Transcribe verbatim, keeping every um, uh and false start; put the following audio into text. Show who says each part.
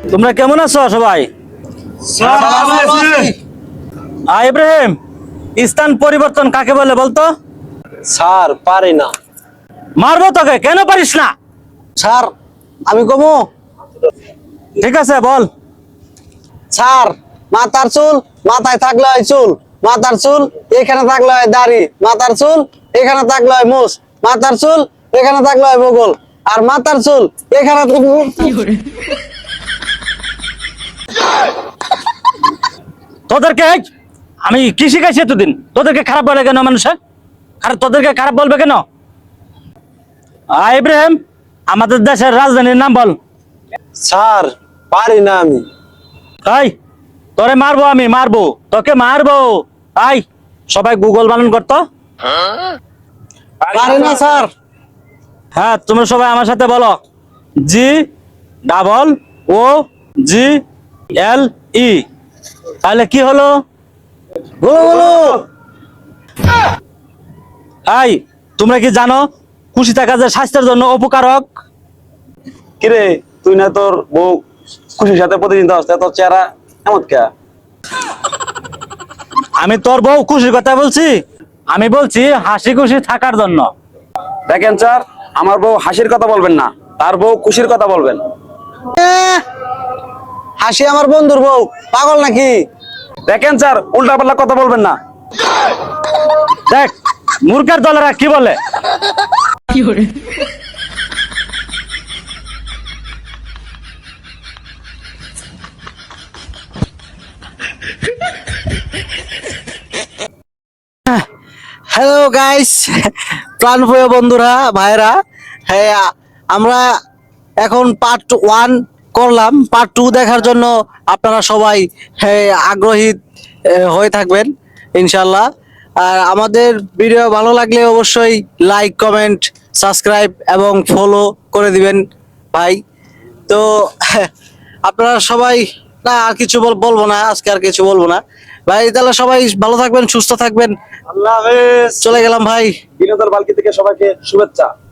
Speaker 1: তোমরা কেমন আছো সবাই? ইব্রাহিম, স্থান পরিবর্তন কাকে বলে বলতো?
Speaker 2: স্যার পারি না।
Speaker 1: মারবো তোকে, কেন পারিস না?
Speaker 2: স্যার আমি কমু।
Speaker 1: ঠিক আছে বল।
Speaker 2: স্যার মাথার চুল মাথায় থাকলে হয় চুল, মাথার চুল এখানে থাকলে হয় দাড়ি, মাথার চুল এখানে থাকলে হয় মুছ, মাথার চুল এখানে থাকলে হয় বগল, আর মাথার চুল এখানে
Speaker 1: তোদেরকে আমি কি শিখাইছি এতদিন? তোদেরকে খারাপ বলে কেন মানুষে? আর তোদেরকে খারাপ বলবে কেন? ইব্রাহিম, আমাদের দেশের রাজধানীর নাম বল।
Speaker 2: স্যার পারি না আমি।
Speaker 1: তাই তোরে মারবো, আমি মারবো তোকে, মারবো। আই সবাই গুগল বানান করতো।
Speaker 2: পারি না স্যার।
Speaker 1: হ্যাঁ, তোমরা সবাই আমার সাথে বলো, জি ডাবল ও জি এল ই। তাহলে কি হলো?
Speaker 2: বলো বলো।
Speaker 1: আই তোমরা কি জানো খুশি থাকা যে স্বাস্থ্যের জন্য উপকারক?
Speaker 3: কিরে তুই না তোর বউ খুশির সাথে প্রতিদিন আসতে তোর চেহারা এমন কে?
Speaker 1: আমি তোর বউ খুশির কথা বলছি? আমি বলছি হাসি খুশি থাকার জন্য।
Speaker 3: দেখেন স্যার, আমার বউ হাসির কথা বলবেন না, তার বউ খুশির কথা বলবেন।
Speaker 2: এহ, হাসি আমার বন্ধুর বউ, পাগল নাকি?
Speaker 3: দেখেন স্যার, উল্টা পাল্টা কথা বলবেন না।
Speaker 1: দেখ মূর্খের দলেরা কি বলে।
Speaker 2: হ্যালো গাইস, প্রাণপ্রিয় বন্ধুরা, ভাইরা, হ্যাঁ আমরা এখন পার্ট ওয়ান করলাম। পার্ট টু দেখার জন্য আপনারা সবাই হ্যাঁ আগ্রহী আহ, হয়ে থাকবেন ইনশাল্লাহ। আর আমাদের ভিডিও ভালো লাগলে অবশ্যই লাইক, কমেন্ট, সাবস্ক্রাইব এবং ফলো করে দিবেন ভাই। তো আপনারা সবাই, না আর কিছু বল- বলবো না, আজকে আর কিছু বলবো না ভাই। তাহলে সবাই ভালো থাকবেন, সুস্থ থাকবেন।
Speaker 3: আল্লাহ হাফেজ।
Speaker 2: চলে গেলাম ভাই।
Speaker 3: বিনোদন বালকি থেকে সবাইকে শুভেচ্ছা।